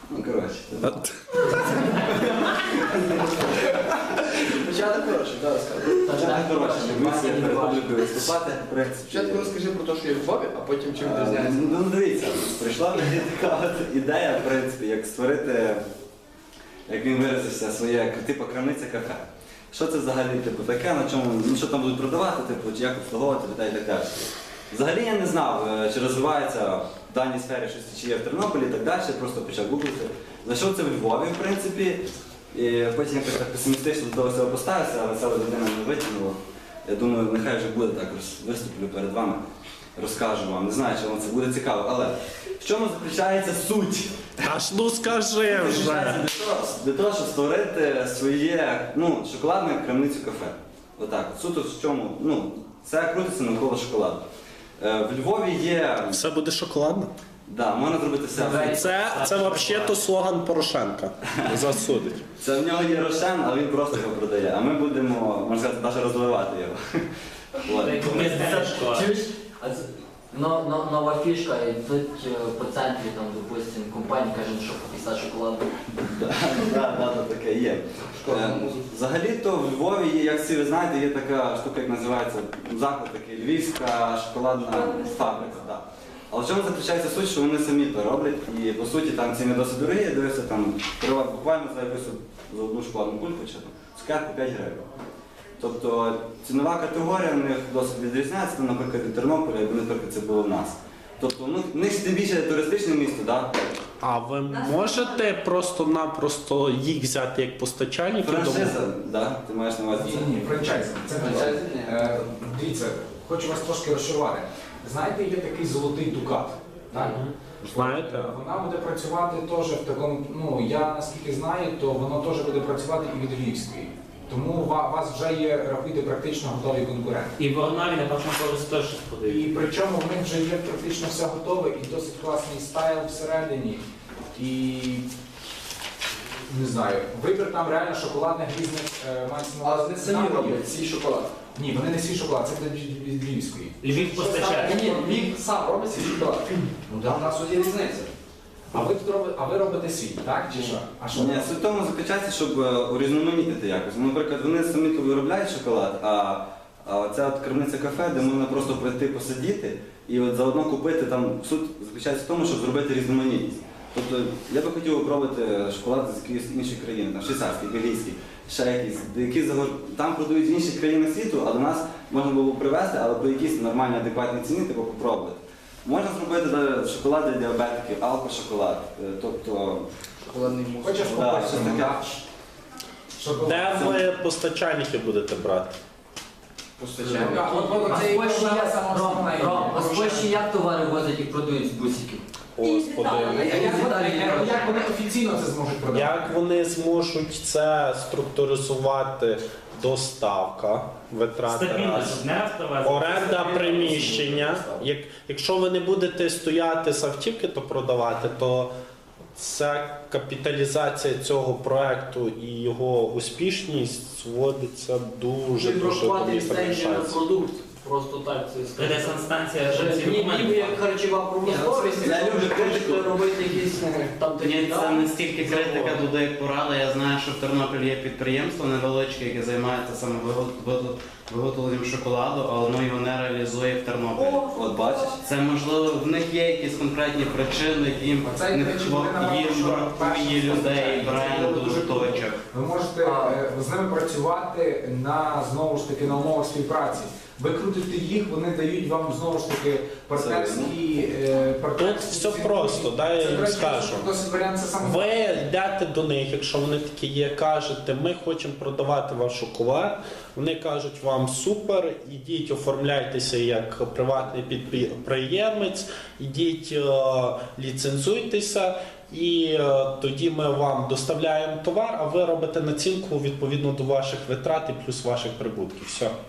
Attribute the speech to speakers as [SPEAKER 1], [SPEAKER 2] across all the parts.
[SPEAKER 1] Ну, коротше.
[SPEAKER 2] Початок хороший, так, розказуй.
[SPEAKER 1] Початок хороший, ми переходили виступати.
[SPEAKER 2] Спочатку розкажи про те, що є в Львові, а потім чим відрізняється.
[SPEAKER 1] Ну, дивіться, прийшла мені така от ідея, в принципі, як створити, як він виразився, своє, типу, крамниця кафе. Що це взагалі типу, таке, на чому, ну, що там будуть продавати, типу, чи як обслуговувати людей і так далі. Взагалі я не знав, чи розвивається в даній сфері щось, чи є в Тернополі і так далі, просто почав гуглити. Знайшов це в Львові, в принципі, і потім якось так песимістично до того всього поставився, але ця людина не витягнула. Я думаю, нехай вже буде так, виступлю перед вами, розкажу вам. Не знаю, чи вам це буде цікаво, але в чому заключається суть?
[SPEAKER 3] Аж ну скажи вже.
[SPEAKER 1] Для того, щоб створити своє, ну, шоколадне крамницю кафе. Отак. Суто в чому, ну, це крутиться навколо шоколаду. В Львові є...
[SPEAKER 3] Все буде шоколадно?
[SPEAKER 1] Да, можна зробити все.
[SPEAKER 3] Це взагалі-то слоган Порошенка. Засудить.
[SPEAKER 1] Це в нього є Рошен, але він просто його продає. А ми будемо, можна сказати, навіть розвивати його.
[SPEAKER 4] Чуєш? Нова фішка, і тут по центрі, там, допустим, компанія каже, що пописати шоколаду.
[SPEAKER 1] Так, таке є. Взагалі-то в Львові є, як всі ви знаєте, є така штука, як називається заклад такий, Львівська шоколадна фабрика. Але в чому заключається суть, що вони самі то роблять, і по суті там ціни досить дорогі, я дивився там буквально за якусь за одну шоколадну кульку чи там цукерку 5 гривень. Тобто цінова категорія в них досить відрізняється, там, наприклад, від Тернополя, якби, наприклад, це було в нас. Тобто, ну, в них тим більше туристичне місто, так?
[SPEAKER 3] А ви можете просто-напросто їх взяти як постачальників?
[SPEAKER 1] Франшиза, так? Ти маєш на увазі це?
[SPEAKER 5] Ні, франчайзинг. Це
[SPEAKER 2] Франчайзинг?
[SPEAKER 5] Дивіться, хочу вас трошки розчарувати. Знаєте, є такий золотий дукат. Так?
[SPEAKER 3] Знаєте?
[SPEAKER 5] Вона буде працювати теж в такому, ну я наскільки знаю, то воно теж буде працювати і від Львівської. Тому у вас вже є, рахуйте, практично готові конкуренти.
[SPEAKER 6] І в Орнаві на першому поверсі теж щось
[SPEAKER 5] І
[SPEAKER 6] подають.
[SPEAKER 5] причому в них вже є практично все готове і досить класний стайл всередині. І не знаю, вибір там реально шоколадних різних мається на
[SPEAKER 2] А
[SPEAKER 5] увазі.
[SPEAKER 2] вони самі роблять свій шоколад.
[SPEAKER 5] Ні, вони не свій шоколад, це від Львівської.
[SPEAKER 6] Львів постачає.
[SPEAKER 2] Ні, він сам робить свій шоколад. Ну там у нас є різниця.
[SPEAKER 5] А ви робите свій, так? Чи що? А що?
[SPEAKER 1] Ні, суть в тому заключається, щоб урізноманітнити якось. Ну, наприклад, вони самі то виробляють шоколад, а ця от крамниця кафе, де можна просто прийти посидіти і от заодно купити, там суть заключається в тому, щоб зробити різноманітність. Тобто я би хотів пробувати шоколад з якоїсь іншої країни, там швейцарський, бельгійський, ще якийсь, там продають в інших країнах світу, а до нас можна було б привезти, але по якійсь нормальній, адекватній ціні, типу попробувати. Можна зробити шоколад для діабетиків, алкошоколад, тобто...
[SPEAKER 2] Шоколадний мус.
[SPEAKER 5] Хочеш
[SPEAKER 1] Да,
[SPEAKER 5] попити?
[SPEAKER 1] щось таке.
[SPEAKER 5] Шоколад.
[SPEAKER 3] Де ви постачальники будете брати?
[SPEAKER 2] Постачаємо.
[SPEAKER 4] А з Польщі як товари возять і продають з бусиків?
[SPEAKER 3] Господи.
[SPEAKER 5] Як вони офіційно це зможуть продати?
[SPEAKER 3] Як вони зможуть це структуризувати? Доставка, витрати
[SPEAKER 6] Стабільно,
[SPEAKER 3] раз.
[SPEAKER 6] щоб не раз привезти.
[SPEAKER 3] Оренда приміщення. Якщо ви не будете стояти з автівки, то продавати, то ця капіталізація цього проекту і його успішність зводиться дуже
[SPEAKER 4] Відрахувати
[SPEAKER 3] мені
[SPEAKER 4] ліцензію на
[SPEAKER 3] залишається.
[SPEAKER 4] продукт. Просто так це
[SPEAKER 6] Прийде санстанція, вже ці
[SPEAKER 4] Ніби
[SPEAKER 6] документи.
[SPEAKER 4] як харчова промисловість,
[SPEAKER 1] Я люблю критику.
[SPEAKER 4] хочете робити якісь там
[SPEAKER 7] Ні, це не стільки критика туди, як порада. Я знаю, що в Тернополі є підприємство невеличке, яке займається саме виготовленням шоколаду, але воно його не реалізує в Тернополі.
[SPEAKER 1] От бачиш?
[SPEAKER 7] Це можливо, в них є якісь конкретні причини, їм бракує людей, бренду, точок.
[SPEAKER 5] Ви можете з ними працювати на, знову ж таки, на умовах співпраці. Ви крутите їх, вони дають вам знову ж таки партнерські...
[SPEAKER 3] Тут все просто, дай я їм скажу.
[SPEAKER 5] Досить варіант, це саме...
[SPEAKER 3] Ви йдете до них, якщо вони такі є, кажете, ми хочемо продавати ваш шоколад. Вони кажуть вам супер, ідіть оформляйтеся як приватний підприємець, ідіть ліцензуйтеся. І тоді ми вам доставляємо товар, а ви робите націнку відповідно до ваших витрат і плюс ваших прибутків. Все.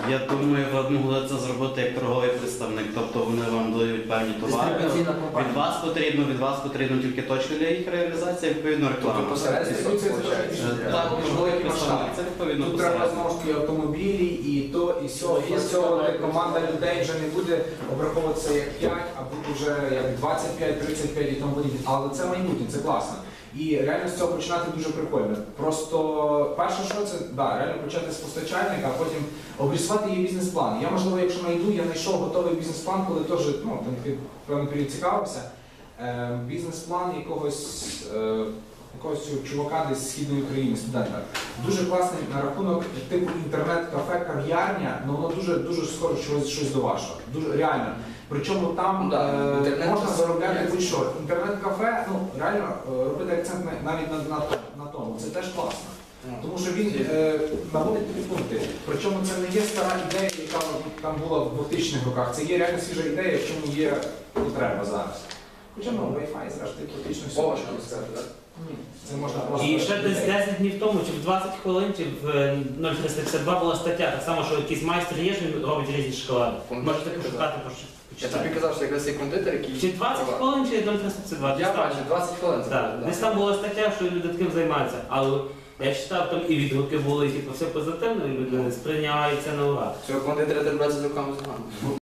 [SPEAKER 7] Я думаю, ви б могли це зробити як торговий представник, тобто вони вам дають певні товари.
[SPEAKER 4] Дистрибуційна компанія.
[SPEAKER 7] Від вас потрібно тільки точка для їх реалізації, відповідно реклама.
[SPEAKER 5] Тобто посередництво це трошки
[SPEAKER 7] Так,
[SPEAKER 5] великий масштаб.
[SPEAKER 7] це відповідно
[SPEAKER 5] Тут треба
[SPEAKER 7] посередництво.
[SPEAKER 5] знову ж таки автомобілі, і то, і сьо. І з цього команда людей вже не буде обраховуватися як 5, а буде вже як 25, 35 і тому подібне. Але це майбутнє, це класно. І реально з цього починати дуже прикольно. Просто перше, що це, да, реально почати з постачальника, а потім обрисувати її бізнес-план. Я, можливо, якщо знайду, я знайшов готовий бізнес-план, коли теж, ну, там, певний період цікавився. Бізнес-план якогось цього чувака десь з Східної України, студента. Дуже класний на рахунок типу інтернет-кафе, кав'ярня, але воно дуже схоже щось до вашого. Дуже реально. Причому там можна заробляти будь-що. Інтернет-кафе, ну реально робити акцент навіть на тому. Це теж класно. Тому що він наводить тобі пункти. Причому це не є стара ідея, яка там була в 2000-х роках. Це є реально свіжа ідея, в чому є потреба зараз. Хоча ну, Wi-Fi, зрештою, практично все.
[SPEAKER 2] Можна сказати, так?
[SPEAKER 5] Ні, це можна просто...
[SPEAKER 6] І ще десь 10 днів тому, чи в 20 хвилин, чи в 0352 була стаття, так само, що якийсь майстер є, що він робить різні шоколади. Можете пошукати,
[SPEAKER 2] Я тобі
[SPEAKER 6] почитати.
[SPEAKER 2] казав, що якраз цей кондитер, який...
[SPEAKER 6] Чи 20 хвилин, чи 0352?
[SPEAKER 2] Я бачу, 20 хвилин. це
[SPEAKER 6] Так,
[SPEAKER 2] буде,
[SPEAKER 6] десь там була стаття, що люди таким займаються, але я читав, там і відгуки були, і типу, все позитивно, і люди сприйняли це на ура.
[SPEAKER 2] Цього кондитера треба брати з руками з ногами.